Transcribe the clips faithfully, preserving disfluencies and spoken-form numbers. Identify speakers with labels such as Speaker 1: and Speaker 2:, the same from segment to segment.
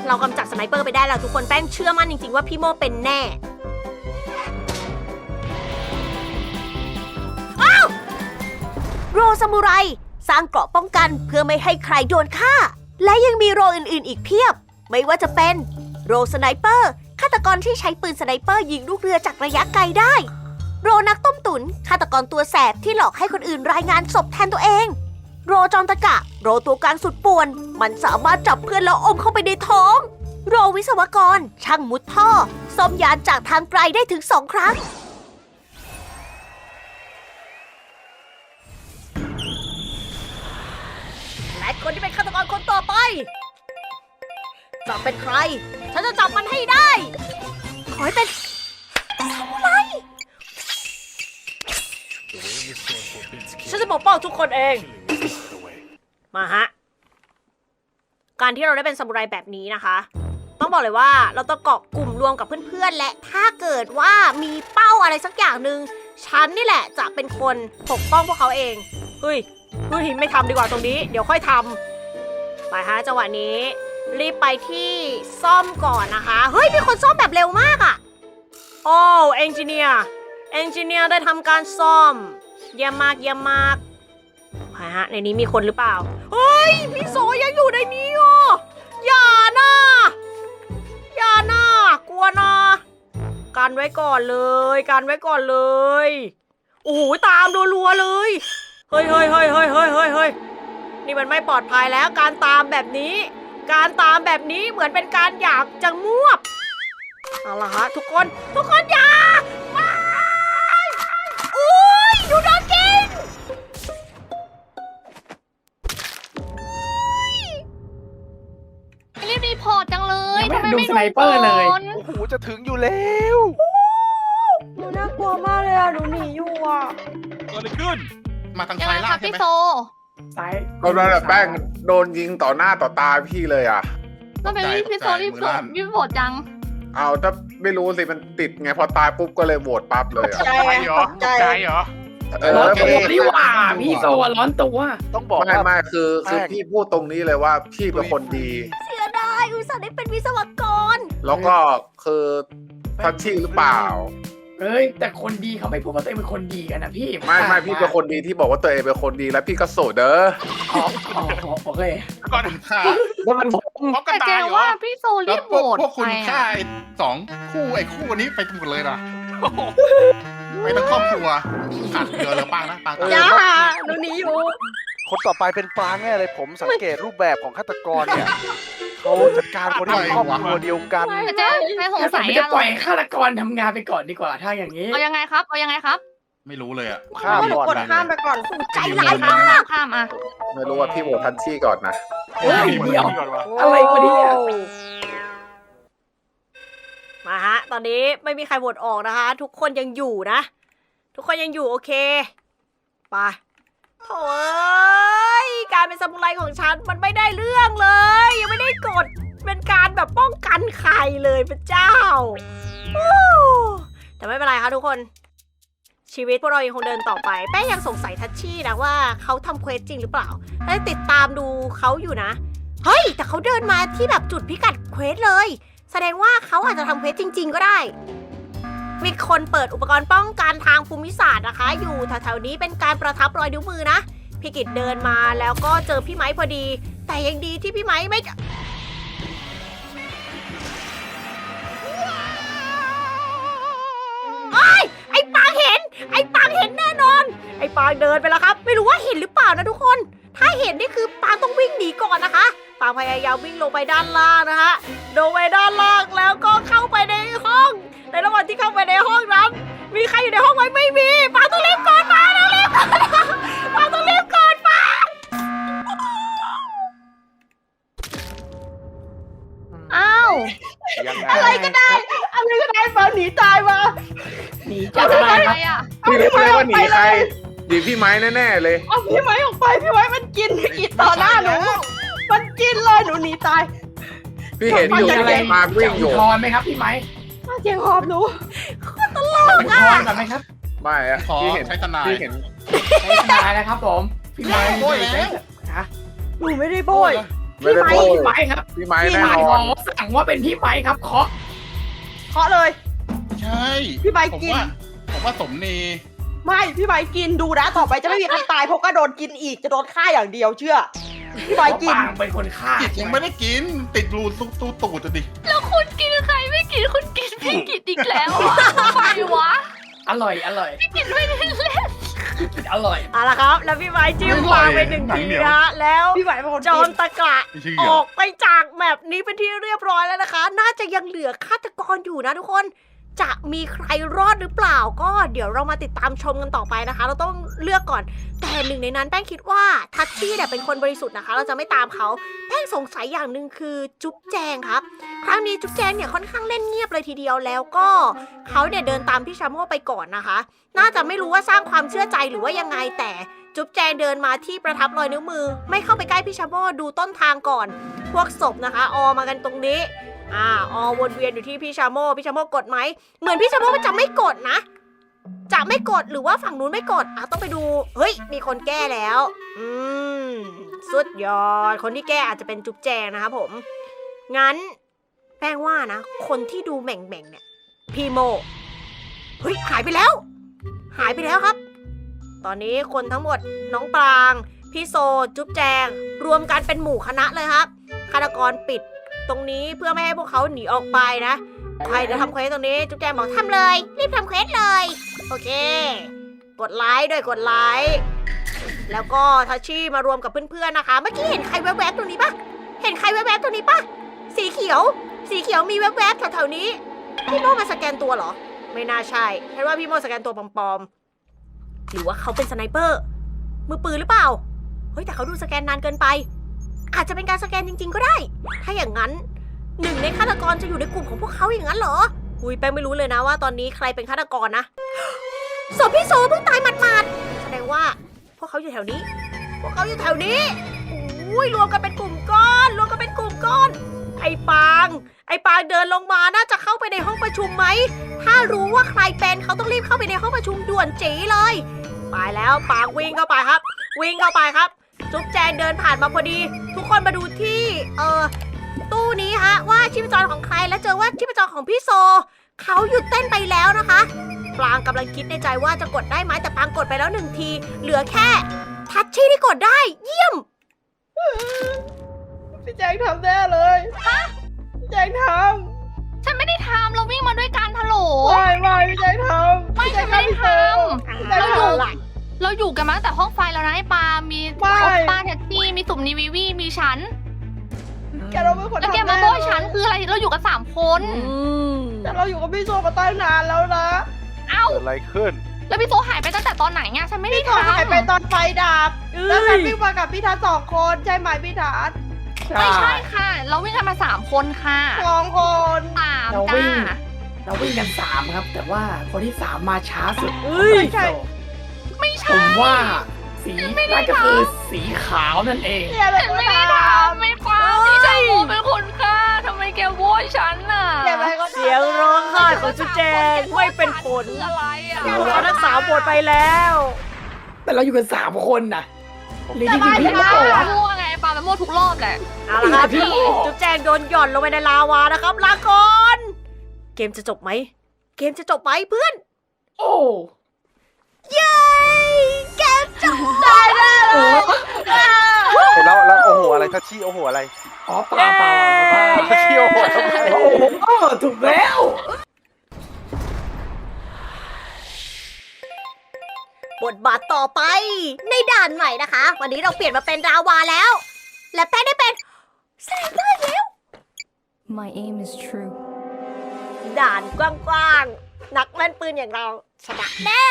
Speaker 1: เรากำจัดสไนเปอร์ไปได้แล้วทุกคนแป้งเชื่อมั่นจริงๆว่าพี่โมเป็นแน่อ้าวโรซามูไรสร้างเกราะป้องกันเพื่อไม่ให้ใครโดนฆ่าและยังมีโรอื่นๆอีกเพียบไม่ว่าจะเป็นโรสไนเปอร์ฆาตกรที่ใช้ปืนสไนเปอร์ยิงลูกเรือจากระยะไกลได้โรนักต้มตุ๋นฆาตกรตัวแสบที่หลอกให้คนอื่นรายงานศพแทนตัวเองโรจอมตะกะโรตัวกลางสุดป่วนมันสามารถจับเพื่อนแล้วอมเข้าไปในท้องโรวิศวกรช่างมุดท่อซ่อมยานจากทางไกลได้ถึงสองครั้งและคนที่เป็นฆาตกรคนต่อไปจะเป็นใครฉันจะจับมันให้ได้ขอให้เป็นอะไรฉันจะปกป้องทุกคนเองมาฮะการที่เราได้เป็นซามูไรแบบนี้นะคะต้องบอกเลยว่าเราต้องเกาะกลุ่มรวมกับเพื่อนๆและถ้าเกิดว่ามีเป้าอะไรสักอย่างหนึ่งฉันนี่แหละจะเป็นคนปกป้องพวกเขาเองเฮ้ยเฮ้ยไม่ทำดีกว่าตรงนี้เดี๋ยวค่อยทำไปฮะจังหวะนี้รีบไปที่ซ่อมก่อนนะคะเฮ้ยมีคนซ่อมแบบเร็วมากอะโอ้เอนจิเนียร์เอนจิเนียร์ได้ทำการซ่อมเยี่ยมมากเยี่ยมมากไปฮะในนี้มีคนหรือเปล่าเฮ้ยพี่โสยังอยู่ในนี้อ่ะอย่านะอย่านะกลัวนะกันไว้ก่อนเลยกันไว้ก่อนเลยโอ้โหตามรัวๆเลยเฮ้ยเฮ้ยเฮ้ยเฮ้ยเฮ้ยเฮ้ยเฮ้ยนี่มันไม่ปลอดภัยแล้วการตามแบบนี้การตามแบบนี้เหมือนเป็นการอยากจะงวบเอาล่ะฮะทุกคนทุกคนอย่าไม่อุ้ยดูโดนกิน
Speaker 2: รีบรีพอร์ตจังเลยทำไมไม่
Speaker 3: ดูสไนเปอร์เลย
Speaker 2: ก่อน
Speaker 4: โอ้โหจะถึงอยู่แล้ว
Speaker 1: หนูน่ากลัวมากเลยอ่ะหนูหนีอยู่อ่ะ
Speaker 5: เกิดอะไรขึ้น มาทาง
Speaker 2: ยัง
Speaker 5: ซ้า
Speaker 2: ไง
Speaker 5: ย
Speaker 2: ค
Speaker 5: ล่า
Speaker 2: รั
Speaker 5: ง
Speaker 2: บ
Speaker 5: ใช่
Speaker 2: พี่
Speaker 5: ไหม
Speaker 2: โซ
Speaker 3: ซ้าย
Speaker 6: ก็นั่นแหละแป้งโดนยิงต่อหน้าต่อตาพี่เลยอ่ะ
Speaker 2: ก็เป็นรีบพี่โซรีบโซรีบโหวตจัง
Speaker 6: เอาถ้าไม่รู้สิมันติดไงพอตายปุ๊บก็เลยโหวตปั๊บเลยอ่ะ
Speaker 5: ตกใจเหรอตกใจเหรอ
Speaker 6: เออ
Speaker 3: ร้อน
Speaker 6: ไม่
Speaker 3: ตัวนี่หว่าพี่โซร้อนตัว
Speaker 4: ต้องบอก
Speaker 6: ไม่
Speaker 4: ว่า
Speaker 6: ไม่คือคือ
Speaker 4: แป้ง
Speaker 6: พี่พูดตรงนี้เลยว่าพี่เป็นคนดี
Speaker 1: เสียดายอุตส่าห์ได้เป็นวิศวกร
Speaker 6: แล้วก็คือทัชชี่หรือเปล่า
Speaker 3: เอ้ยแต่คนดีเขาไม่พูดว่าตัวเองเป็นคนดีกันนะพี่
Speaker 6: ไม่ไม่พี่เป็นคนดีที่บอกว่าตัวเองเป็นคนดีแล้วพี่ก็โสดเด้อ
Speaker 3: อ๋ออ๋อโอเค
Speaker 5: ก่อนฆ่า
Speaker 6: แล้วมัน
Speaker 5: พร้อมกัน
Speaker 2: แต่
Speaker 5: ตา
Speaker 2: เจ
Speaker 5: ยเหรอ
Speaker 2: ว่าพี่โซรี
Speaker 5: แล้ว
Speaker 2: บ
Speaker 5: พ
Speaker 2: โหว
Speaker 5: วก
Speaker 2: ต
Speaker 5: พวกคุณ
Speaker 2: ไป
Speaker 5: ฆ่า
Speaker 2: อะ
Speaker 5: ไอ้สองคู่ไอ้คู่นี้ไปหมดเลยนะไปทั้งครอบครัวขาดเดียวเลยปังนะปังตาย
Speaker 1: อย่าหนูหนีอยู่
Speaker 4: คนต่อไปเป็นปางแน่เลยผมสังเกตรูปแบบของฆาตกรเนี่ยเขาจัดการคนที่เป็นครอบครัวเดียวกัน
Speaker 2: แต่เจ๊ไม่สงสัย
Speaker 3: มัน
Speaker 2: อะ
Speaker 3: จะปล่อยฆาตกรทำงานไปก่อนดีกว่าถ้าอย่างนี้
Speaker 2: เอายังไงครับเอายังไงครับ
Speaker 5: ไม่รู้เลยอ่ะ
Speaker 4: ข้ามก่อนนะ
Speaker 1: ข้ามไปก่อนใจ
Speaker 2: ข้า
Speaker 1: ร้าย
Speaker 2: ม
Speaker 1: มาก
Speaker 2: ข้ามข้ามอ่ะ
Speaker 6: ไม่รู้ว่าพี่โหวตทัชชี่ก่อนนะ
Speaker 3: เฮ้ยเดี๋ยว
Speaker 5: ก่อนวะ
Speaker 3: อะไรวะเนี่ย
Speaker 1: มาฮะ ตอนนี้ไม่มีใครโหวตออกนะคะ ทุกคนยังอยู่นะ ทุกคนยังอยู่โอเคไปโถ่เอ้ยการเป็นซามูไรของฉันมันไม่ได้เรื่องเลย ยังไม่ได้กดเป็นการแบบป้องกันใครเลยพระเจ้าฮู้แต่ไม่เป็นไรค่ะทุกคนชีวิตพวกเรายังคงเดินต่อไปแป้งยังสงสัยทัชชี่นะว่าเขาทำเควสจริงหรือเปล่าได้ติดตามดูเขาอยู่นะเฮ้ยแต่เขาเดินมาที่แบบจุดพิกัดเควสเลยแสดงว่าเขาอาจจะทำเควสจริง ๆ ก็ได้มีคนเปิดอุปกรณ์ป้องกันทางภูมิศาสตร์นะคะ อยู่แถวๆนี้เป็นการประทับรอยนิ้วมือนะพี่กิตเดินมาแล้วก็เจอพี่ไม้พอดี แต่ยังดีที่พี่ไม้ไม่ไอ้ยไอ้ปางเห็น ไอ้ปางเห็นแน่นอน ไอ้ปางเดินไปแล้วครับ ไม่รู้ว่าเห็นหรือเปล่านะทุกคน ถ้าเห็นนี่คือปางต้องวิ่งหนีก่อนนะคะปางพยายามวิ่งลงไปด้านล่างนะคะลงไปด้านล่างแล้วก็เข้าไปในห้อง ในระหว่างที่เข้าไปในห้องนั้น มีใครอยู่ในห้องไหมไม่มีปางต้องรีบก่อนปางต้องรีบก่อนปางต้องรีบก่อนปาง
Speaker 2: อ้าว
Speaker 4: ยังไง
Speaker 1: อะไรก็ได้ อะไรก็ได้ปางหนีตายมา
Speaker 3: หนี
Speaker 2: จะ
Speaker 3: จาก
Speaker 2: ทำ
Speaker 3: อะไร
Speaker 2: อะไร
Speaker 3: ครับ
Speaker 2: อ่ะ
Speaker 6: พี่รู้เลยว่าหนีใครหนีพี่ไม้แน่ๆเลย
Speaker 1: เอาพี่ไม้ออกไปพี่ไม้มันกินพี่กินต่อหน้าหนูมันกินเลยหนูหนีตาย
Speaker 6: พี่เห็นอยู่
Speaker 3: อะไร
Speaker 6: มาวิ่งอยู่
Speaker 3: จะอุทธรณ์ไหมครับพี่ไม้
Speaker 1: เจียงหอบหนู
Speaker 3: จะอุทธรณ์ก่อนไหมครับ
Speaker 6: ไม่อะ
Speaker 5: ขอ
Speaker 6: พี่เห็น
Speaker 5: ใช้ทนาย
Speaker 6: พี่เห็น
Speaker 3: ใช้ทนายนะครับผมพี่ไม้
Speaker 5: โอ้ยแล้ว
Speaker 3: ฮะ
Speaker 1: หนูไม่ได้โบย
Speaker 5: โ
Speaker 6: ไม่ได้
Speaker 3: พี่
Speaker 6: พูด
Speaker 3: ไม้ครับ
Speaker 6: พี่ไม้
Speaker 3: พี่
Speaker 6: แน่
Speaker 3: ไม้
Speaker 6: น
Speaker 3: ห
Speaker 6: อ
Speaker 3: มอน สั่งว่าเป็นพี่ไม้ครับเคาะ
Speaker 7: เคาะเลย
Speaker 5: ใช่
Speaker 7: พี่ใบ
Speaker 5: ผม
Speaker 7: กิน
Speaker 5: ว่าผมว่าสมนี
Speaker 7: ไม่พี่ใบกินดูนะต่อไปจะไม่มีใครตายเพราะก็โดนกินอีกจะโดนฆ่าอย่างเดียวเชื่อ พี่ใบ
Speaker 3: เพราะ
Speaker 7: กิน
Speaker 3: ปางเป็นคนฆ่า
Speaker 5: กิดยังไม่ได้กิน ติดรูตูตูตูดอะดิ
Speaker 2: แล้วคุณกินใครไม่กินคุณกินพี่กินอีกแล้วอะทำไมวะ
Speaker 3: อร่อยอร่อย
Speaker 2: พี่กินไม่ได้เล่น
Speaker 3: กินอร่อย
Speaker 1: เอาละครับ แล้วพี่ไม้จิ้มปลาไปหนึ่งทีนะฮะแล้ว
Speaker 7: พี่ใบเป็นคน
Speaker 1: จอ
Speaker 7: กิ
Speaker 1: ม
Speaker 7: น
Speaker 1: ตะกระ
Speaker 5: ไม่เชื่
Speaker 1: อ
Speaker 5: อ
Speaker 1: อกไปจากแมปนี้เป็นที่เรียบร้อยแล้วนะคะ น่าจะยังเหลือฆาตกรอยู่นะทุกคน จะมีใครรอดหรือเปล่าก็เดี๋ยวเรามาติดตามชมกันต่อไปนะคะ เราต้องเลือกก่อน แต่หนึ่งในนั้นแป้งคิดว่าทัชชี่เนี่ยเป็นคนบริสุทธิ์นะคะ เราจะไม่ตามเขาแป้งสงสัยอย่างหนึ่งคือจุ๊บแจงครับ ครั้งนี้จุ๊บแจงเนี่ยค่อนข้างเล่นเงียบเลยทีเดียวแล้วก็เขาเนี่ยเดินตามพี่ชาโม่ไปก่อนนะคะ น่าจะไม่รู้ว่าสร้างความเชื่อใจหรือว่ายังไงแต่จุ๊บแจงเดินมาที่ประทับรอยนิ้วมือ ไม่เข้าไปใกล้พี่ชาโม่ดูต้นทางก่อน พวกศพนะคะ ออมากันตรงนี้ อ่าออวนเวียนอยู่ที่พี่ชาโม่พี่ชาโม่กดไหมเหมือนพี่ชาโม่มันจะไม่กดนะ จะไม่กดหรือว่าฝั่งนู้นไม่กดอ่ะต้องไปดูเฮ้ยมีคนแก้แล้ว อืมสุดยอดคนที่แก้อาจจะเป็นจุ๊บแจงนะคะผมงั้นแป้งว่านะ คนที่ดูแหม่งแม่งๆเนี่ยพี่โมเฮ้ยหายไปแล้ว หายไปแล้วครับ ตอนนี้คนทั้งหมดน้องปรางพี่โซจุ๊บแจง รวมกันเป็นหมู่คณะเลยครับฆาตกรปิดตรงนี้เพื่อไม่ให้พวกเขาหนีออกไปนะใครจะทำเควสตรงนี้จุ๊บแจงบอกทำเลย รีบทำเควสเลยโอเค กดไลค์ด้วยกดไลค์แล้วก็ทัชชี่มารวมกับเพื่อนๆนะคะ เมื่อกี้เห็นใครแวบๆตรงนี้ปะเห็นใครแวบๆตรงนี้ปะสีเขียว สีเขียวมีแวบๆแถวๆนี้พี่โมมาสแกนตัวเหรอ ไม่น่าใช่ฉันว่าพี่โมสแกนตัวปลอมๆหรือว่าเขาเป็นสไนเปอร์ มือปืนหรือเปล่าเฮ้ยแต่เขาดูสแกนนานเกินไป อาจจะเป็นการสแกนจริงๆก็ได้ ถ้าอย่างนั้นหนึ่งในฆาตกรจะอยู่ในกลุ่มของพวกเขาอย่างนั้นเหรออุ้ยแป้งไม่รู้เลยนะว่าตอนนี้ใครเป็นฆาตกรนะศพพี่โซเพิ่งตายหมาดๆแสดงว่าพวกเขาอยู่แถวนี้ พวกเขาอยู่แถวนี้อุ้ยรวมกันเป็นกลุ่มก้อนรวมกันเป็นกลุ่มก้อน ไอ้ปาง ไอ้ปางเดินลงมาน่าจะเข้าไปในห้องประชุมไหมถ้ารู้ว่าใครเป็นเขาต้องรีบเข้าไปในห้องประชุมด่วนจีเลยไปแล้วปางวิ่งเข้าไปครับ วิ่งเข้าไปครับ จุ๊บแจงเดินผ่านมาพอดี ทุกคนมาดูที่เอ่อตู้นี้ฮะว่าชีพจรของใครแล้วเจอว่าชีพจรของพี่โซเขาหยุดเต้นไปแล้วนะคะปรางกำลังคิดในใจว่าจะกดได้ไหมแต่ปรางกดไปแล้วหนึ่งที เหลือแค่ทัชชี่ที่กดได้ เยี่ยม
Speaker 7: พี่แจงทำแน่เลยพี่แจงท
Speaker 2: ฉันไม่ได้ทำเราวิ่งมาด้วยกันทะโหล
Speaker 7: ำไม่ไม่พี่แจงทำ
Speaker 2: ไม่
Speaker 7: พี่แจ
Speaker 2: ฉั
Speaker 7: ง
Speaker 2: นไม่ได้ท
Speaker 7: พี่แจง
Speaker 2: เราอยู่
Speaker 7: ทำหลัง
Speaker 2: ำเราอยู่กันมาตั้งแต่ห้องไฟแล้วนะไอ้ปา มี
Speaker 7: ไม่
Speaker 2: โอปป้าแท็กซี่มีสุ่มนีวีวีมีฉัน
Speaker 7: แกเราเป็นคน
Speaker 2: แล้วแก
Speaker 7: ทำ
Speaker 2: มา
Speaker 7: แน่
Speaker 2: โบย
Speaker 7: เลย
Speaker 2: ฉันคืออะไรเราอยู่กันสามคน
Speaker 7: แต่เราอยู่กับพี่โซมาตั้งนานแล้วนะ
Speaker 2: เอ้า
Speaker 4: เกิดอะไรขึ้น
Speaker 2: แล้วพี่โซหายไปตั้งแต่ตอนไหนเนี่ยฉันไม่ได้
Speaker 7: พี่โซ
Speaker 2: ทำ
Speaker 7: หายไปตอนไฟดับ
Speaker 1: เอ้
Speaker 7: แล้วฉัน
Speaker 1: ย
Speaker 7: วิ่งมากับพี่ทัศน์สองคนใช่ไหมพี่ทัศน์
Speaker 2: ไม่ใช่ค่ะ เราวิ่งกันมาสามคนค่ะ
Speaker 7: สองคน
Speaker 2: สาม
Speaker 3: เรา
Speaker 2: จ้า
Speaker 3: วิ่ง เราวิ่งกันสามครับ แต่ว่าคนที่สามมาช้าสุด
Speaker 1: เอ้ย
Speaker 3: ใช่
Speaker 2: ไม่
Speaker 3: ผ
Speaker 2: ใช่
Speaker 3: มว่าสีน่าจะคือสีขาวนั่นเอง
Speaker 7: เนี่ยเป็น
Speaker 2: ฉัน
Speaker 7: คน
Speaker 2: ไม่ได้
Speaker 7: ท
Speaker 2: ทำไม่ปาพี่ชายโมเป็นคนฆ่าทำไมแกโวยฉันน่ะ
Speaker 7: ำเนี่ยเป็นคนทำ
Speaker 1: เสียงร้องไห้ของจุ๊บแจงไม่เป็นผล
Speaker 2: คืออะไรอ่ะ
Speaker 1: เขาทั้งสามหมดไปแล้ว
Speaker 3: แต่เราอยู่กันสามคนนะหรือจริงๆพี่
Speaker 2: พี่
Speaker 3: โม่
Speaker 2: ปา
Speaker 3: อะ
Speaker 2: มั่วไงปาไปมั่วทุกรอบแหละ
Speaker 1: เอาละครับ
Speaker 3: พี่
Speaker 1: พี่จุ๊บแจงโดนหย่อนลงไปในลาวานะครับลาก่อนเกมจะจบไหม เกมจะจบไหมเพื่อน
Speaker 3: โอ้
Speaker 1: เย้ เกมจบได้แล้ว
Speaker 4: เห็นแล้วแล้วโอ้โหอะไรทัชชี่โอ้โหอะไร
Speaker 3: อ๋อเปล่าเปล่าเปล่า
Speaker 4: ทัชชี่โอ้โหทำไม
Speaker 3: โอ้โหถูกแล้ว
Speaker 1: บทบาทต่อไปในด่านใหม่นะคะ วันนี้เราเปลี่ยนมาเป็นราวาแล้ว และแป้งได้เป็นสไนเปอร์แล้ว
Speaker 8: My aim is true.
Speaker 1: ด่านกว้างๆ นักแม่นปืนอย่างเราชนะแน่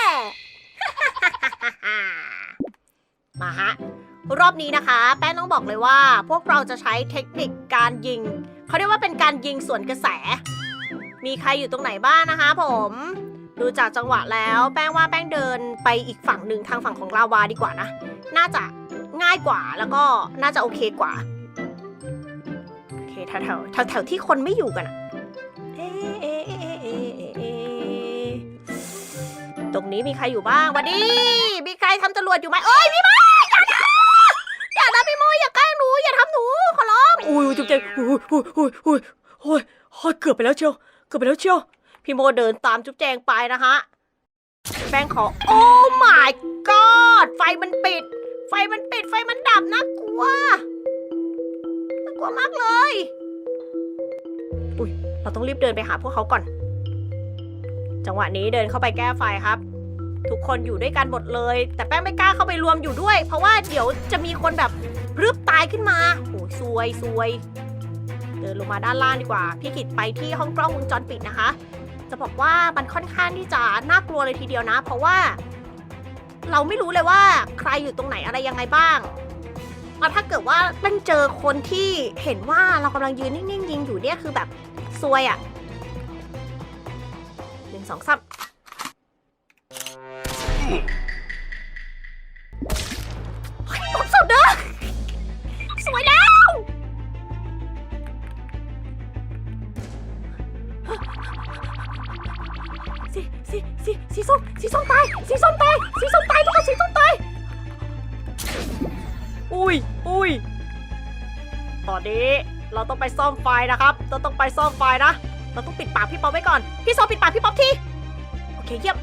Speaker 1: มาฮะ รอบนี้นะคะ แป้งต้องบอกเลยว่า พวกเราจะใช้เทคนิคการยิง เขาเรียกว่าเป็นการยิงสวนกระแส มีใครอยู่ตรงไหนบ้างนะคะผม ดูจากจังหวะแล้ว แป้งว่าแป้งเดินไปอีกฝั่งหนึ่งทางฝั่งของลาวาดีกว่านะ น่าจะง่ายกว่าแล้วก็น่าจะโอเคกว่า โอเคแถวแถวแถวแถวที่คนไม่อยู่กันอะเอ๊ะเอ๊ะเอ๊ะเอ๊ะเอ๊ะเอ๊ะตรงนี้มีใครอยู่บ้างวันนี้มีใครทำจรวดอยู่ไหมเอ้ยพี่โมอย่านะอย่านะพี่โมอย่าใกล้หนูอย่าทำหนูขอร้ออุ้ยจุ๊บแจงอุ้ยอุ้ยอุ้ยอุ้ยโอ้ยโอ้ยเกือบไปแล้วเชียวเกือบไปแล้วเชียวพี่โมเดินตามจุ๊บแจงไปนะฮะแป้งขอโอ้ my god ไฟมันปิด ไฟมันปิดไฟมันดับน่ากลัวน่ากลัวมากเลยอุ้ยเราต้องรีบเดินไปหาพวกเขาก่อน จังหวะนี้เดินเข้าไปแก้ไฟครับ ทุกคนอยู่ด้วยกันหมดเลย แต่แป้งไม่กล้าเข้าไปรวมอยู่ด้วย เพราะว่าเดี๋ยวจะมีคนแบบรึบตายขึ้นมาโอ้ยซวยซวย เดินลงมาด้านล่างดีกว่า พี่กิตไปที่ห้องกล้องวงจรปิดนะคะ จะบอกว่ามันค่อนข้างที่จะน่ากลัวเลยทีเดียวนะ เพราะว่า เราไม่รู้เลยว่าใครอยู่ตรงไหนอะไรยังไงบ้างเอาถ้าเกิดว่ามันเจอคนที่เห็นว่าเรากำลังยืนนิ่งๆยิงอยู่เนี่ยคือแบบซวยอะหนึ่งสองสามเฮ้ยผมสุดเด้อสวยแล้วสีสีสีสีส้มสีส้มตายสีส้มตายสีส้มตายทุกคนสีส้มตายอุ้ยอุ้ยตอนนี้เราต้องไปซ่อมไฟนะครับเราต้องไปซ่อมไฟนะเราต้องปิดปากพี่ป๊อปไว้ก่อนพี่โซปิดปากพี่ป๊อปทีโอเคเยี่ยม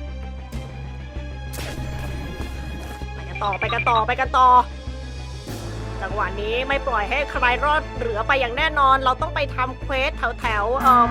Speaker 1: ไปกันต่อไปกันต่อไปกันต่อจังหวะนี้ไม่ปล่อยให้ใครรอดเหลือไปอย่างแน่นอนเราต้องไปทำเควสแถวแถวๆเอ่อ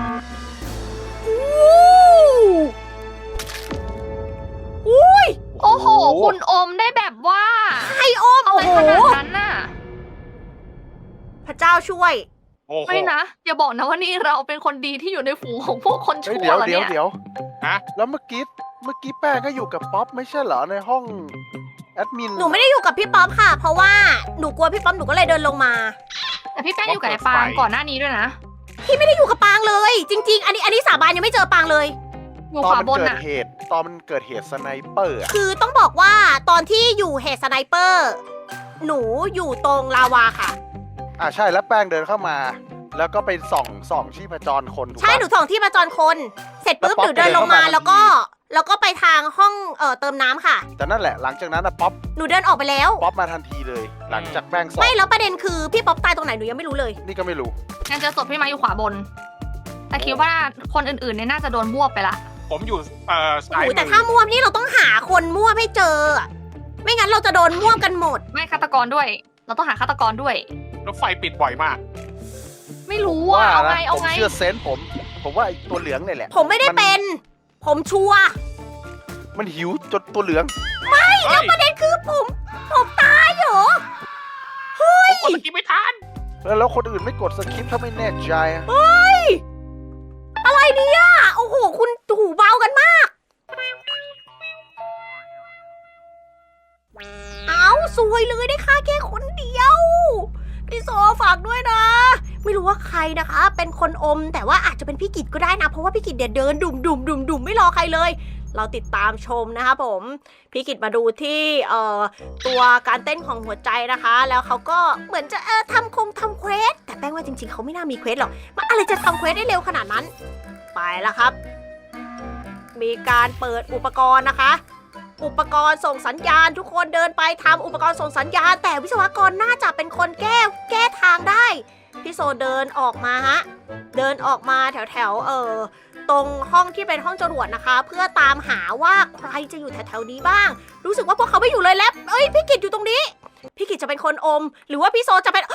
Speaker 1: อุ้ย
Speaker 2: โอ้โห คุณอมได้แบบว่า
Speaker 1: ไอโอม
Speaker 2: อะ
Speaker 1: โอ้
Speaker 2: ไร
Speaker 1: โห
Speaker 2: ขนาดนั้นน่ะ
Speaker 1: พระเจ้าช่วย
Speaker 5: โอ้โห
Speaker 2: ไม่นะ อย่าบอกนะว่านี่เราเป็นคนดีที่อยู่ในฝูงของพวกคน
Speaker 4: เฮ้ย
Speaker 2: ชั่ว
Speaker 4: เดี๋ยว
Speaker 2: เหรอ
Speaker 4: เดี๋ยว
Speaker 2: เนี่ย
Speaker 4: เดี๋ยว
Speaker 5: ฮะ
Speaker 4: แล้วเมื่อกี้เมื่อกี้แป้งก็อยู่กับป๊อปไม่ใช่เหรอในห้องแอดมิน
Speaker 1: หนูไม่ได้อยู่กับพี่ป๊อปค่ะ เพราะว่าหนูกลัวพี่ป๊อปหนูก็เลยเดินลงมา
Speaker 2: แต่พี่แป้งอยู่กับไอ้ปางก่อนหน้านี้ด้วยนะ
Speaker 1: พี่ไม่ได้อยู่กับปางเลย จริง ๆ อันนี้อันนี้สาบานยังไม่เจอปางเลย
Speaker 2: อยู่
Speaker 4: ตอ
Speaker 2: ข
Speaker 4: น
Speaker 2: วา
Speaker 4: มัน
Speaker 2: บน
Speaker 4: เกิด
Speaker 2: น่ะ
Speaker 4: เหตุตอนมันเกิดเหตุสไนเปอร์อะ
Speaker 1: คือต้องบอกว่าตอนที่อยู่เหตุสไนเปอร์ หนูอยู่ตรงลาวาค่ะ
Speaker 4: อ่าใช่แล้วแป้งเดินเข้ามา แล้วก็ไปส่องส่องชีพจรคนถูก
Speaker 1: ใช่
Speaker 4: ปะ
Speaker 1: หนูส่องที่ประจรคน เสร็จปุ๊บ
Speaker 4: แล้วป๊อป
Speaker 1: หนูเดินลงมา
Speaker 4: เดินเข้ามา
Speaker 1: แล้วก็ แล้วก็ไปทางห้องเอ่อเติมน้ำค่ะ
Speaker 4: แต่นั่นแหละหลังจากนั้นนะป๊อป
Speaker 1: หนูเดินออกไปแล้ว
Speaker 4: ป๊อปมาทันทีเลย หลังจากแป้งส่อง
Speaker 1: ไม่แล้วประเด็นคือพี่ป๊อปตายตรงไหนหนูยังไม่รู้เลย
Speaker 4: นี่ก็ไม่รู้
Speaker 2: งั้นเจอศพพี่มาอยู่ขวาบน แต่คิดว่าคนอื่นๆเนี่ยน่าจะโดนบวบไปละ
Speaker 5: ผมอยู่เอ่อ
Speaker 1: โอ้
Speaker 5: ซ้าย
Speaker 1: โห
Speaker 5: มื
Speaker 1: แต่
Speaker 5: อ
Speaker 1: ถ้าม่วมนี่เราต้องหาคนม่วมให้เจออะไม่งั้นเราจะโดนม่วมกันหมด
Speaker 2: ไม่ฆาตกรด้วย เราต้องหาฆาตกรด้วย
Speaker 5: รถไฟปิดบ่อยมาก
Speaker 2: ไม่รู้ว่าเอาไง
Speaker 4: นะ
Speaker 2: เอา
Speaker 4: ผม
Speaker 2: ไง
Speaker 4: เชื่อเซนส์ผม ผมว่าไอ้ตัวเหลืองเนี่ยแหละ
Speaker 1: ผมไม่ได้เป็น ผมชัวร์
Speaker 4: มันหิวจนตัวเหลือง
Speaker 1: แล้วประเด็นคือผมผมตายเหรอ
Speaker 5: ผมกดสกิปไม่ทัน
Speaker 4: แล้วแล้วคนอื่นไม่กดสคริปต์ถ้าไม่แน่ใจอะ
Speaker 1: เฮ้ย อะไรเนี่ยโอ้โห คุณหูเบากันมาก เอาสวยเลยได้ค่าแค่คนเดียว พี่โซฝากด้วยนะ ไม่รู้ว่าใครนะคะ เป็นคนอม แต่ว่าอาจจะเป็นพี่กิจก็ได้นะ เพราะว่าพี่กิจเดี๋ยวเดินดุ่มดุ่มดุ่มดุ่มไม่รอใครเลย เราติดตามชมนะคะผม พี่กิจมาดูที่เอ่อตัวการเต้นของหัวใจนะคะ แล้วเขาก็เหมือนจะเออทำคงทำเควส แต่แป้งว่าจริงๆเขาไม่น่ามีเควสหรอกมันอะไรจะทำเควสได้เร็วขนาดนั้น ไปแล้วครับ มีการเปิดอุปกรณ์นะคะ อุปกรณ์ส่งสัญญาณทุกคนเดินไปทำอุปกรณ์ส่งสัญญาณ แต่วิศวกรน่าจะเป็นคนแก้แก้ทางได้ พี่โซเดินออกมาฮะ เดินออกมาแถวแถวๆเออตรงห้องที่เป็นห้องจรวดนะคะ เพื่อตามหาว่าใครจะอยู่แถวๆนี้บ้าง รู้สึกว่าพวกเขาไม่อยู่เลยแล้วเอ้ยพี่กิจอยู่ตรงนี้ พี่กิจจะเป็นคนอม หรือว่าพี่โซจะเป็น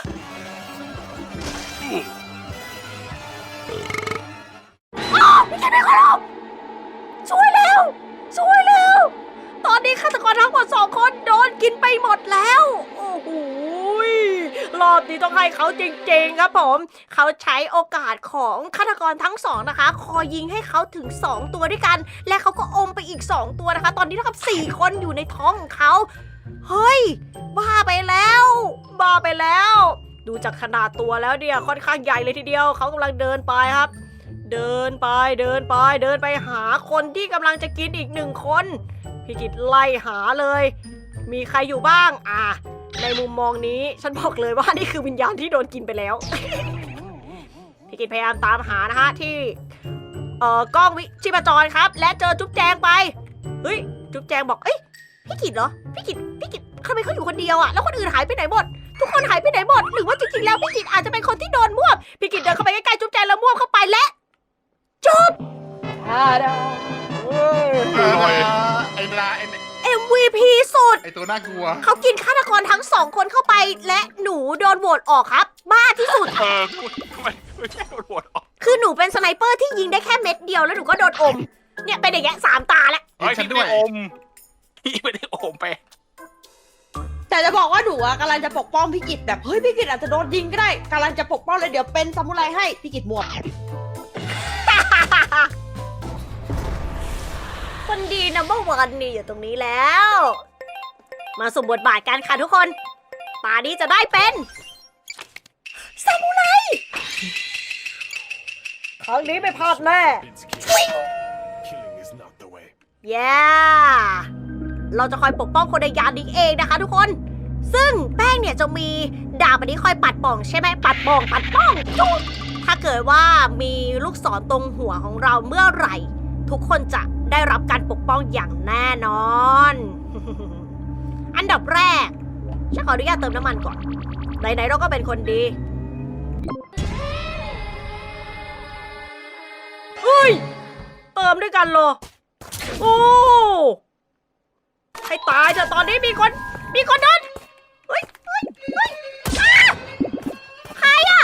Speaker 1: อ้าวพี่กิจเป็นคนอมช่วยเร็วช่วยเร็ว ตอนนี้ฆาตกรทั้งหมดสองคนโดนกินไปหมดแล้ว โอ้โหยรอบนี้ต้องให้เขาจริงๆครับผม เขาใช้โอกาสของฆาตกรทั้งสองนะคะ คอยยิงให้เขาถึงสองตัวด้วยกัน และเขาก็อมไปอีกสองตัวนะคะ ตอนนี้เท่ากับสี่คนอยู่ในท้องของเขา เฮ้ย บ้าไปแล้ว บ้าไปแล้ว ดูจากขนาดตัวแล้วเนี่ยค่อนข้างใหญ่เลยทีเดียว เขากำลังเดินไปครับ เดินไป เดินไป เดินไปหาคนที่กำลังจะกินอีกหนึ่งคน พี่กิตไล่หาเลย มีใครอยู่บ้าง อ่ะ ในมุมมองนี้ ฉันบอกเลยว่านี่คือวิญญาณที่โดนกินไปแล้ว พี่กิตพยายามตามหานะฮะที่ เอ่อกล้องวิชีพจรครับ และเจอจุ๊บแจงไป เฮ้ย จุ๊บแจงบอก เอ้ย พี่กิตเหรอ พี่กิตพี่กิตทำไมเขาอยู่คนเดียวอะแล้วคนอื่นหายไปไหนหมดทุกคนหายไปไหนหมด หรือว่าจริงๆแล้วพี่กิตอาจจะเป็นคนที่โดนม่วบพี่กิตเดินเข้าไปใกล้ๆจุ๊บแจงแล้วม่วบเข้าไปและจบ
Speaker 5: เออไอ้ลาไอ้
Speaker 1: เอ็ม วี พี สุด
Speaker 5: ไอ้ตัวน่ากลัว
Speaker 1: เขากินฆาตกรทั้งสองคนเข้าไปและหนูโดนโหวตออกครับ บ้าที่สุด
Speaker 9: เออทำไมไม่ใช่โดนโหวตออก
Speaker 1: คือหนูเป็นสไนเปอร์ที่ยิงได้แค่เม็ดเดียวแล้วหนูก็โดนอม เนี่ยเป็นอย่างเงี้ยสามตาแล้ว
Speaker 9: เฮ้ย
Speaker 5: ฉั
Speaker 9: พี่
Speaker 5: น
Speaker 9: ไม่
Speaker 5: ด้วย
Speaker 9: ได้อมพี่ไม่ได้อมไป
Speaker 7: แต่จะบอกว่าหนูอะกำลังจะปกป้องพี่กิตแบบเฮ้ยพี่กิตอาจจะโดนยิงก็ได้กำลังจะปกป้องเลยเดี๋ยวเป็นซามูไรให้พี่กิตหมวก
Speaker 1: คนดีนัมเบอร์วันนี่อยู่ตรงนี้แล้ว มาสมบทบาทกันค่ะทุกคนตานี้จะได้เป็นซามูไรครั้งนี้ไม่พลาดแน่เย้เราจะคอยปกป้องคนในยานนี้เองนะคะทุกคน ซึ่งแป้งเนี่ยจะมีดาบอันนี้คอยปัดป่องใช่ไหมปัดป่องปัดป้องจุ๊บถ้าเกิดว่ามีลูกศรตรงหัวของเราเมื่อไหร่ ทุกคนจะได้รับการปกป้องอย่างแน่นอน อันดับแรกฉันขออนุญาตเติมน้ำมันก่อนไหนๆเราก็เป็นคนดีเฮ้ยเติมด้วยกันเหรอโอ้ให้ตายเถอะตอนนี้มีคนมีคนโดนเฮ้ยเฮ้ยเฮ้ยอ้าใครอะ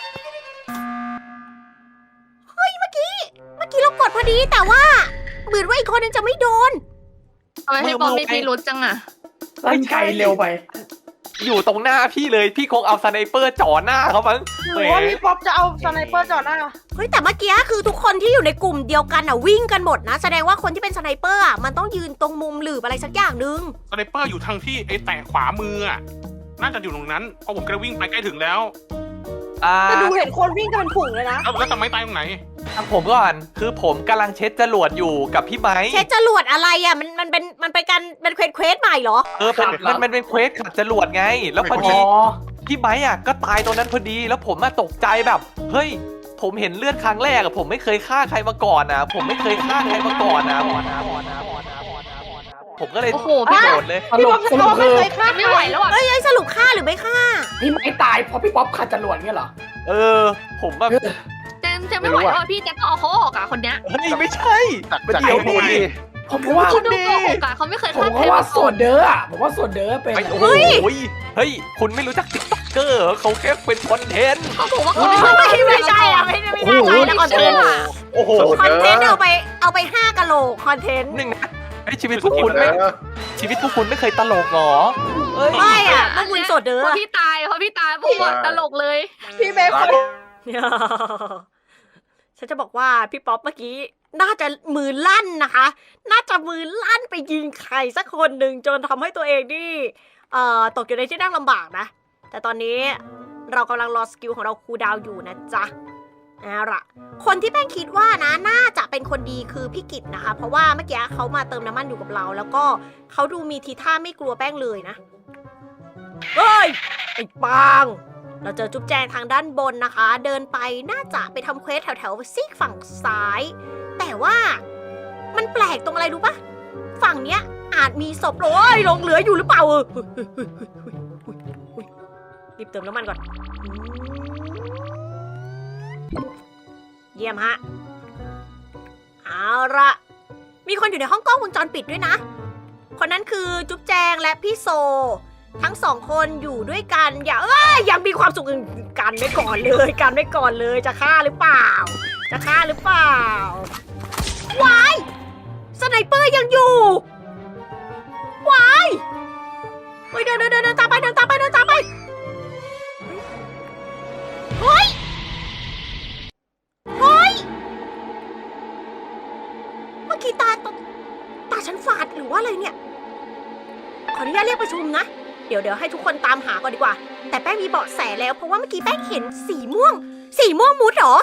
Speaker 1: เฮ้ยเมื่อกี้เมื่อกี้เรากดพอดีแต่ว่าเหมือนว่าอีกคนนึงจะไม่โดน
Speaker 2: ทำไมพี่บอลมีพิรุธจังอะ
Speaker 3: ลั่นไกลเร็วไป
Speaker 10: อยู่ตรงหน้าพี่เลยพี่คงเอาสไนเปอร์จ่อหน้าเขามั้ง
Speaker 7: หรือว่าพี่ป๊อปจะเอาสไนเปอร์จ่อหน้า
Speaker 1: เฮ้ยแต่เมื่อกี้คือทุกคนที่อยู่ในกลุ่มเดียวกันอ่ะวิ่งกันหมดนะแสดงว่าคนที่เป็นสไนเปอร์อ่ะมันต้องยืนตรงมุมหลืบอะไรสักอย่างนึง
Speaker 9: สไนเปอร์อยู่ทางที่ไอ้แตะขวามืออะน่าจะอยู่ตรงนั้นเพราะผมก็วิ่งไปใกล้ถึงแล้ว
Speaker 10: อ่า
Speaker 7: แต่ดูเห็นคนวิ่งกันเป็นฝูงเลยนะ
Speaker 9: แล้วแล้วทำไมตายตรงไหน
Speaker 10: ทางผมก่อนคือผมกำลังเช็ดจรวดอยู่กับพี่ไม้
Speaker 1: เช็ดจรวดอะไรอ่ะมันมันเป็นมันเป็นการเป็นเควสเควสใหม่เหรอ
Speaker 10: เออเป็นมันมันเป็นเควสขัดจรวดไง แล้วพอ
Speaker 3: อ๋
Speaker 10: ดี
Speaker 3: อ
Speaker 10: พี่ไม้อ่ะก็ตายตรงนั้นพอดีแล้วผมมาตกใจแบบเฮ้ยผมเห็นเลือดครั้งแรกอะผมไม่เคยฆ่าใครมาก่อนนะผมไม่เคยฆ่าใครมาก่อนนะผมก็เลย
Speaker 2: โอ้โห
Speaker 10: ไม่
Speaker 2: พี่
Speaker 10: โดดเลย
Speaker 3: สรุปสรุป
Speaker 7: ไม่
Speaker 3: คือ
Speaker 7: เคยฆ่า
Speaker 2: ไม่ไหวแล้วอะ
Speaker 1: เอ้ยเอ้ยสรุปฆ่าหรือไม่ฆ่า
Speaker 3: พี่ไม่ตายเพราะพี่ป๊อปขัดจรวดเงี้ยเหรอ
Speaker 10: เออ ผมแบบ
Speaker 2: เจมเจมไม่ไหวแล้วอะพี่เจมต้องเอาเขาออกอะคนเนี้ย
Speaker 10: เฮ้ยไม่ใช่
Speaker 4: จาก
Speaker 10: มัน
Speaker 4: จาก
Speaker 10: เดี๋ยว
Speaker 4: ไอ้
Speaker 10: ดิ
Speaker 4: นี่
Speaker 3: ผมว่า
Speaker 2: เขาดูโกหกอะเขาไม่เคย
Speaker 3: ผม
Speaker 2: ฆ่าใคร
Speaker 3: ว่า
Speaker 2: มา
Speaker 3: ส่
Speaker 2: ก่
Speaker 3: ว
Speaker 2: อน
Speaker 3: นเด้ออะผมว่าส่วนเด้อเป็น
Speaker 10: ไอ้โอ้โหเฮ้ยคุณไม่รู้จักติ๊กต็อกเกอร์เขาแค่เป็นคอนเทนต์
Speaker 2: เขาบอกว่าเขา
Speaker 1: ไม่ไม่ใช่อ่ะไม่ไม่น่าใช่แล้วคอนเทนต์อ่ะ
Speaker 10: โอ้โห
Speaker 1: คอนเทนต์เอาไปเอาไปห้ากะโหลกคอนเทนต์
Speaker 10: หนึ่งนะไอ้ชีวิตพวกคุณไม่ชีวิตพวกคุณไม่เคยตลกหรอเอ้ย
Speaker 1: ไม่อ่ะพวกคุณสดเด้
Speaker 2: พอ
Speaker 1: อ
Speaker 2: พี่ตายพอพี่ตายปุ๊บอะตลกเลย
Speaker 7: พี่เมย์คน
Speaker 1: ฉันจะบอกว่าพี่ป๊อปเมื่อกี้น่าจะมือลั่นนะคะ น่าจะมือลั่นไปยิงใครสักคนหนึ่งจนทำให้ตัวเองนี่เอ่อตกอยู่ในที่นั่งลำบากนะ แต่ตอนนี้เรากำลังรอสกิลของเราคูลดาวน์อยู่นะจ๊ะเอาล่ะ คนที่แป้งคิดว่านะน่าจะเป็นคนดีคือพี่กิตนะคะ เพราะว่าเมื่อกี้เขามาเติมน้ำมันอยู่กับเรา แล้วก็เขาดูมีทีท่าไม่กลัวแป้งเลยนะเฮ้ยไอ้ปาง เราเจอจุ๊บแจงทางด้านบนนะคะ เดินไปน่าจะไปทำเควสแถวๆซีกฝั่งซ้าย แต่ว่ามันแปลกตรงอะไรรู้ปะฝั่งเนี้ยอาจมีศพโอ้ยหลงเหลืออยู่หรือเปล่าเออรีบเติมน้ำมันก่อนเยี่ยมฮะเอาละมีคนอยู่ในห้องกล้องวงจรปิดด้วยนะ คนนั้นคือจุ๊บแจงและพี่โซ ทั้งสองคนอยู่ด้วยกันอย่าเอ้ยยังมีความสุขกันไว้ก่อนเลยกันไว้ก่อนเลยจะฆ่าหรือเปล่า จะฆ่าหรือเปล่าวายสไนเปอร์ยังอยู่วายเฮ้ยเดินเดินเดินตามไปเดินตามไปเดินตามไปเฮ้ยเฮ้ยเมื่อกี้ตาตาตาฉันฝาดหรือว่าอะไรเนี่ยขออนุญาตเรียกประชุมนะเดี๋ยวเดี๋ยวให้ทุกคนตามหาก่อนดีกว่าแต่แป้งมีเบาะแสแล้วเพราะว่าเมื่อกี้แป้งเห็นสีม่วงสีม่วงมุดเหรอ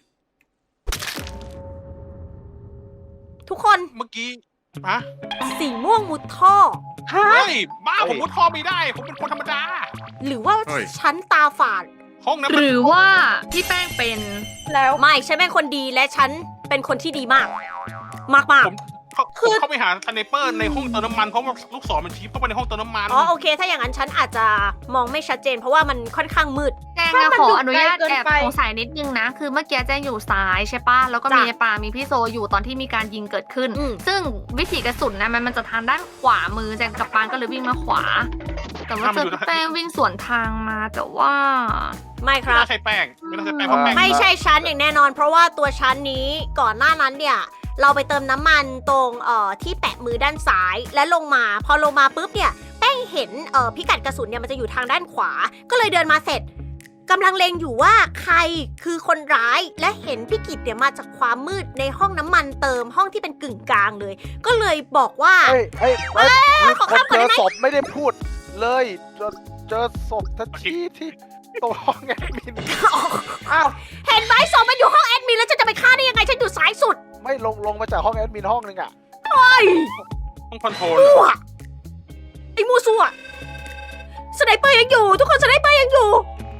Speaker 1: ทุกคน
Speaker 9: เมื่อกี้ฮะ
Speaker 1: สีม่วงมุดท่อ
Speaker 9: เฮ้ยบ้าผมมุดท่อไม่ได้ผมเป็นคนธรรมดา
Speaker 1: หรือว่า
Speaker 5: เฮ้ย
Speaker 1: ฉันตาฝาด
Speaker 9: ห้องนั้น
Speaker 2: ห
Speaker 9: มัน
Speaker 2: รือว่าพี่แป้งเป็น
Speaker 7: แล้ว
Speaker 1: ไม่ฉันเป็นคนดีและฉันเป็นคนที่ดีมาก มากมาก
Speaker 9: ผมเขาผมเข้าไปหาสไนเปอร์ในห้องเติมน้ำมันเพราะว่าลูกศรมันชี้เข้าไปในห้องเติมน้ำมัน
Speaker 1: อ๋อโอเค ถ้าอย่างนั้นฉันอาจจะมองไม่ชัดเจน เพราะว่ามันค่อนข้างมืด
Speaker 2: แจงอะขออนุญาตแอบสงสัยนิดนึงนะ คือเมื่อกี้แจงอยู่ซ้ายใช่ปะแล้วก็มี
Speaker 1: จ้ะ
Speaker 2: ปลามีพี่โซอยู่ตอนที่มีการยิงเกิดขึ้น
Speaker 1: อืม
Speaker 2: ซึ่งวิถีกระสุนนะมันมันจะทางด้านขวามือแจงกับปานก็เลยวิ่งมาขวา แต่ว่าเจอพี่แป้งวิ่งสวนทางมาแต่ว่า
Speaker 1: ไม่ค
Speaker 9: ไม่
Speaker 1: รับ
Speaker 9: น่าใช่แป้งไม่น่าใช่แป้งเพราะแป้ง
Speaker 1: ไม่ใช่ชั้นอย่างแน่นอน เพราะว่าตัวชั้นนี้ก่อนหน้านั้นเนี่ย เราไปเติมน้ำมันตรงเอ่อที่แปะมือด้านซ้ายและลงมา พอลงมาปุ๊บเนี่ยแป้งเห็นเอ่อพิกัดกระสุนเนี่ยมันจะอยู่ทางด้านขวา ก็เลยเดินมาเสร็จกำลังเลงอยู่ว่าใครคือคนร้ายและเห็นพี่กิตเนี่ยมาจากความมืดในห้องน้ำมันเติมห้องที่เป็นกึ่งกลางเลย ก็เลยบอกว่า
Speaker 4: เอ้ยเอ้ยเอ้ยมี
Speaker 1: ขอ
Speaker 4: คน
Speaker 1: ข้ามก่อน
Speaker 4: เจ
Speaker 1: ได้
Speaker 4: อ
Speaker 1: ไหม
Speaker 4: ศพไม่ได้พูดเลยเจอเจอศพทันทีที่ตรงห้องแอดมิน
Speaker 1: อ้าวเห็นไหมศพมันอยู่ห้องแอดมินแล้วฉันจะไปฆ่าได้ยังไงฉันอยู่ซ้ายสุด
Speaker 4: ไม่ลงลงมาจากห้องแอดมินห้องนึงอ่ะ
Speaker 1: เฮ้ย
Speaker 9: ห้องคอนโทรล
Speaker 1: มั่วไอ้มูซัวสไนเปอร์ยังอยู่ ทุกคนสไนเปอร์ยังอยู่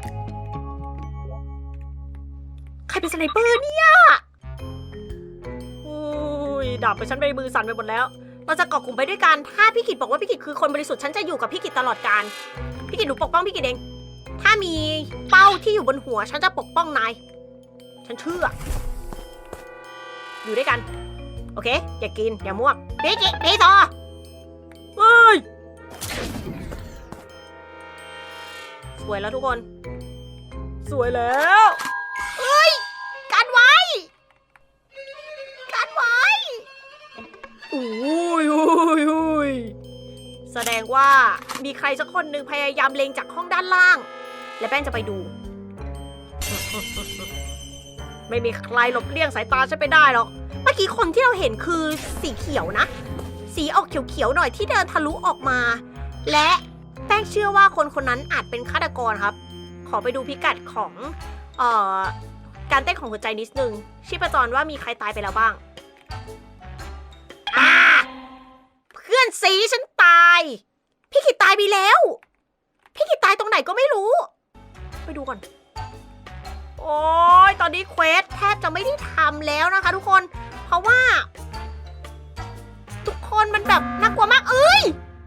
Speaker 1: ใครเป็นสไนเปอร์เนี่ยโอ้ยดาบไปฉันไปมือสั่นไปหมดแล้ว เราจะเกาะกลุ่มไปด้วยกัน ถ้าพี่กิตบอกว่าพี่กิตคือคนบริสุทธิ์ฉันจะอยู่กับพี่กิตตลอดกาลพี่กิตหนูปกป้องพี่กิตเอง ถ้ามีเป้าที่อยู่บนหัวฉันจะปกป้องนาย ฉันเชื่อ อยู่ด้วยกัน โอเค อย่ากิน อย่าม่วงพี่กิตพี่ต่อเฮ้ย สวยแล้วทุกคน สวยแล้วเอ้ย กันไว้ กันไว้อุ้ยอุ้ยอุ้ยแสดงว่ามีใครสักคนหนึ่งพยายามเล็งจากห้องด้านล่าง และแป้งจะไปดู ไม่มีใครหลบเลี่ยงสายตาฉันไปได้หรอก เมื่อกี้คนที่เราเห็นคือสีเขียวนะ สีออกเขียวๆหน่อยที่เดินทะลุออกมา และแป้งเชื่อว่าคนคนนั้นอาจเป็นฆาตกรครับ ขอไปดูพิกัดของเอ่อการเต้นของหัวใจนิดนึงชีพจรว่ามีใครตายไปแล้วบ้างอ่าเพื่อนสีฉันตาย พี่กิตตายไปแล้ว พี่กิตตายตรงไหนก็ไม่รู้ ไปดูก่อน โอ้ยตอนนี้เควสแทบจะไม่ได้ทำแล้วนะคะทุกคน เพราะว่า ทุกคนมันแบบน่ากลัวมากเอ้ย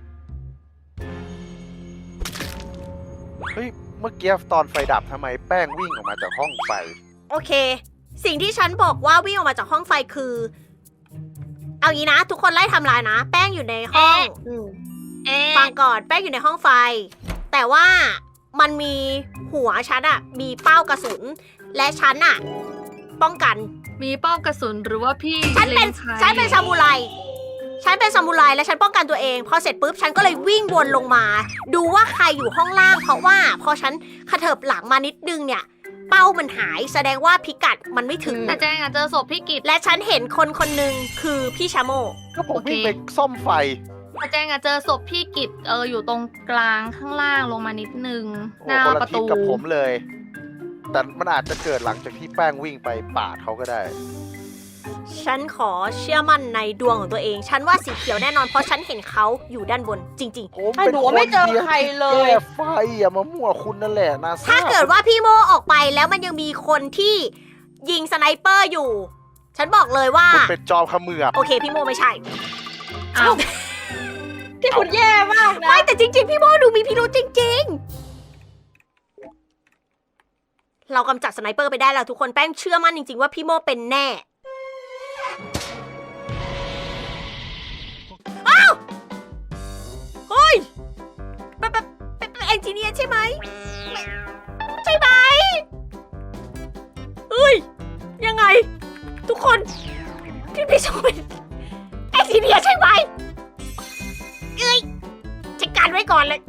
Speaker 4: เฮ้ยเมื่อกี้ตอนไฟดับทำไมแป้งวิ่งออกมาจากห้องไฟ
Speaker 1: โอเค สิ่งที่ฉันบอกว่าวิ่งออกมาจากห้องไฟคือ เอางี้นะ ทุกคนไล่ทำลายนะ แป้งอยู่ในห้อง
Speaker 2: เอ๊ะ
Speaker 1: ฟังก่อนแป้งอยู่ในห้องไฟ แต่ว่ามันมีหัวฉันอะมีเป้ากระสุน และฉันอะป้องกัน
Speaker 2: มีเป้ากระสุนหรือว่าพี่
Speaker 1: ฉันเป็น
Speaker 2: ล็งใคร
Speaker 1: ฉันเป็นซามูไร ฉันเป็นซามูไรและฉันป้องกันตัวเอง พอเสร็จปุ๊บฉันก็เลยวิ่งวนลงมา ดูว่าใครอยู่ห้องล่าง เพราะว่าพอฉันขะเถิบหลังมานิดนึงเนี่ย เป้ามันหายแสดงว่าพิกัดมันไม่ถึง
Speaker 2: แต่แจงอะเจอศพพี่กิต
Speaker 1: และฉันเห็นคนคนหนึ่งคือพี่ชาโม
Speaker 4: ก็ผม
Speaker 2: โอเค
Speaker 4: วิ่งไปซ่อมไฟ
Speaker 2: แต่แจงอะเจอศพพี่กิตเอออยู่ตรงกลางข้างล่างลงมานิดนึง
Speaker 4: โอ้
Speaker 2: หน้า
Speaker 4: คนละ
Speaker 2: ประ
Speaker 4: ทิศ
Speaker 2: ตู
Speaker 4: กับผมเลย แต่มันอาจจะเกิดหลังจากที่แป้งวิ่งไปปาดเขาก็ได้
Speaker 1: ฉันขอเชื่อมั่นในดวงของตัวเอง ฉันว่าสีเขียวแน่นอน เพราะฉันเห็นเขาอยู่ด้านบนจริง
Speaker 4: ผม
Speaker 7: ไอ้
Speaker 4: เป็น
Speaker 7: หนู
Speaker 4: คน
Speaker 7: ไม่เจอ
Speaker 4: ดียว
Speaker 7: ใครเล
Speaker 4: แก้
Speaker 7: ย
Speaker 4: ไฟอย่ามามั่วคุณนั่นแหละนะ
Speaker 1: ๆ ถ้าเกิดว่าพี่โมออกไปแล้วมันยังมีคนที่ยิงสไนเปอร์อยู่ ฉันบอกเลยว่า
Speaker 4: คุณเป็นจอมเขมือบ
Speaker 1: โอเคพี่โมไม่ใช่
Speaker 2: อ้าว
Speaker 7: ที่คุณแย่มากนะ
Speaker 1: ไม่แต่จริง ๆ พี่โมดูมีพิรุธจริง ๆ เรากำจัดสไนเปอร์ไปได้แล้วทุกคนแป้งเชื่อมั่นจริง ๆ ว่าพี่โมเป็นแน่ อ้าว เฮ้ยเป็นเป็นเป็นเป็นเอนจิเนียร์ใช่ไหมไม่ใช่ไหมเฮ้ย ยังไง ทุกคน พี่พี่ชมเป็นเอนจิเนียร์ใช่ไหมเอ้ยจัดการไว้ก่อนเลย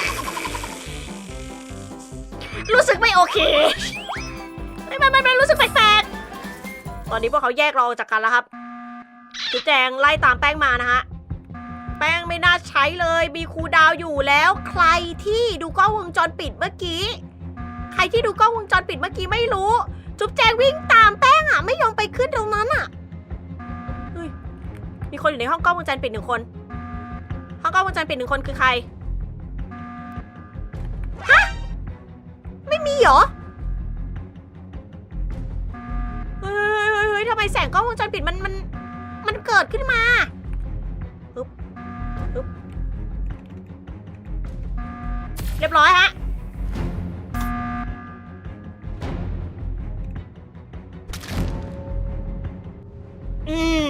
Speaker 1: รู้สึกไม่โอเค ไม่ไม่ไม่ไม่รู้สึกแปลกๆ ตอนนี้พวกเขาแยกเราออกจากกันแล้วครับจุ๊บแจงไล่ตามแป้งมานะฮะ แป้งไม่น่าใช้เลย มีครูดาวอยู่แล้ว ใครที่ดูกล้องวงจรปิดเมื่อกี้ ใครที่ดูกล้องวงจรปิดเมื่อกี้ไม่รู้ จุ๊บแจงวิ่งตามแป้งอ่ะ ไม่ยอมไปขึ้นตรงนั้นอ่ะ เฮ้ย มีคนอยู่ในห้องกล้องวงจรปิดหนึ่งคน ห้องกล้องวงจรปิดหนึ่งคนคือใคร ฮะ ไม่มีเหรอ เฮ้ยเฮ้ยเฮ้ยทำไมแสงกล้องวงจรปิดมันมันมันเกิดขึ้นมาฮึบฮึบเรียบร้อยฮะ อืม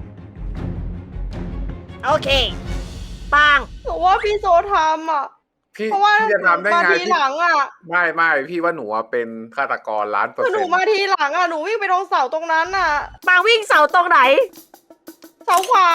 Speaker 1: โอเค ปัง
Speaker 7: หนูว่าพี่โซทำอ่ะ
Speaker 6: พี่
Speaker 7: เพราะว่า
Speaker 6: พี่จะทำได้
Speaker 7: มา
Speaker 6: ไง
Speaker 7: ที
Speaker 6: พี่
Speaker 7: หลังอ่ะ
Speaker 6: ไม่ไม่พี่ว่าหนูอะเป็นฆาตกรล้านเปอร์
Speaker 7: คือห
Speaker 6: เซ็
Speaker 7: นู
Speaker 6: นต์
Speaker 7: มาทีหลังอ่ะ หนูวิ่งไปตรงเสาตรงนั้นอ่ะ
Speaker 1: ปังวิ่งเสาตรงไหน
Speaker 7: เสาขวา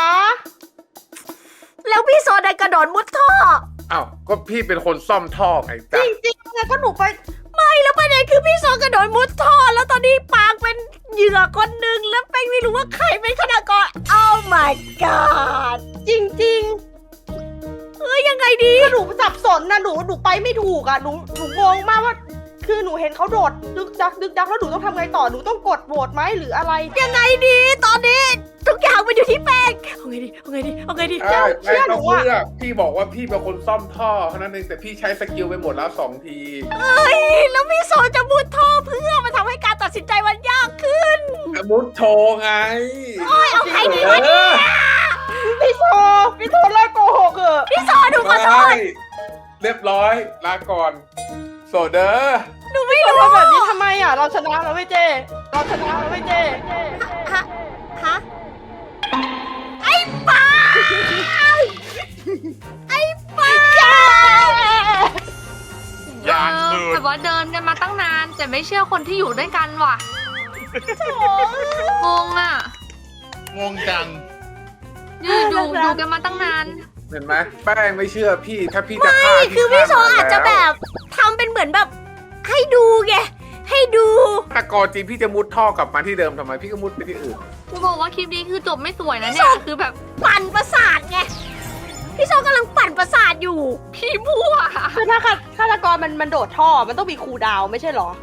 Speaker 1: แล้วพี่โซดันกระโดดมุดท่อ
Speaker 6: อ้าวก็พี่เป็นคนซ่อมท่อไง
Speaker 7: จ
Speaker 6: จ๊ะ
Speaker 7: ริงๆแล้วก็หนูไป
Speaker 1: ไม่แล้วประเด็นคือพี่โซกระโดดมุดท่อ แล้วตอนนี้ปางเป็นเหยื่อคนหนึ่งแล้วแป้งไม่รู้ว่าใครเป็นฆาตกร Oh my god
Speaker 7: จริง
Speaker 1: เอ้ยยังไงดี
Speaker 7: ๆคือหนูสับสนนะหนูหนูไปไม่ถูกอ่ะ หนูหนูงงมากว่า คือหนูเห็นเขาโดดดึกดักดึกดักแล้วหนูต้องทำไงต่อ หนูต้องกดโหวตไหมหรืออะไร
Speaker 1: ยังไงดีตอนนี้ ทุกอย่างมันอยู่ที่แป้งเอาไงดีเอาไงดีเอาไงดี
Speaker 6: ใช่
Speaker 7: เชื่
Speaker 6: ไม่
Speaker 7: อหนู
Speaker 6: ต้อง
Speaker 7: อะ
Speaker 6: เลือกพี่บอกว่าพี่เป็นคนซ่อมท่อเท่านั้นเองแต่พี่ใช้สกิลไปหมดแล้วสองที
Speaker 1: เอ้ยแล้วพี่โซจะมุดท่อเพื่อมาทำให้การตัดสินใจมันยากขึ้น
Speaker 6: มุดโชว์ไง
Speaker 1: โอ้ยเอาใครดีวะเนี่ย
Speaker 7: พี่โซพี่โซเลิกโกหกเถอะ
Speaker 1: พี่โซดูขอโทษ
Speaker 6: ไม่เรียบร้อยลาก่อน โซเดอร์
Speaker 1: หนูไม่
Speaker 7: เรา
Speaker 1: รู้
Speaker 7: ทำแบบนี้ทำไมอ่ะ เราชนะเราไม่เจ เราชนะเราไม่เจ
Speaker 1: ฮะฮะไอ้ป้าไอ้ป้า
Speaker 9: อย่างสุด
Speaker 2: แต่ว่าเดินกันมาตั้งนาน แต่ไม่เชื่อคนที่อยู่ด้วยกันว่ะงงอ่ะ
Speaker 5: งงจัง
Speaker 2: อยู่อยู่อยู่กันมาตั้งนาน
Speaker 6: เห็นไหมแป้งไม่เชื่อพี่ถ้าพี่จะฆ่า
Speaker 1: ไม่คือพี่โซ
Speaker 6: ฆ่
Speaker 1: อาจจะ
Speaker 6: แล้ว
Speaker 1: แบบทำเป็นเหมือนแบบให้ดูไงให้ดู
Speaker 6: ฆาตกรจริงพี่จะมุดท่อกลับมาที่เดิมทำไมพี่ก็มุดไปที่อื่น
Speaker 2: กูบอกว่าคลิปนี้คือจบไม่สวยนะเนี่ย คือแบบ
Speaker 1: ปั่นประสาทไงพี่โซกำลังปั่นประสาทอยู่
Speaker 2: พี่มั่ว
Speaker 7: คือถ้าฆาตกรมันมันโดดท่อ มันต้องมีคูลดาวน์ไม่ใช่เหรอ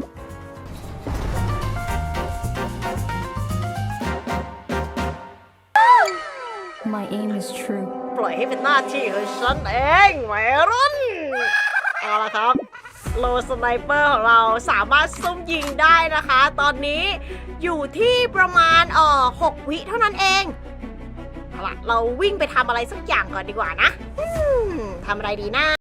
Speaker 8: My aim is true.
Speaker 1: ปล่อยให้เป็นหน้าที่ของฉันเองแหวรุ่นเอาละครับโลสไนเปอร์ของเราสามารถซุ่มยิงได้นะคะ ตอนนี้อยู่ที่ประมาณเอ่อหกวิเท่านั้นเองเอาล่ะเราวิ่งไปทำอะไรสักอย่างก่อนดีกว่านะอืมทำอะไรดีนะ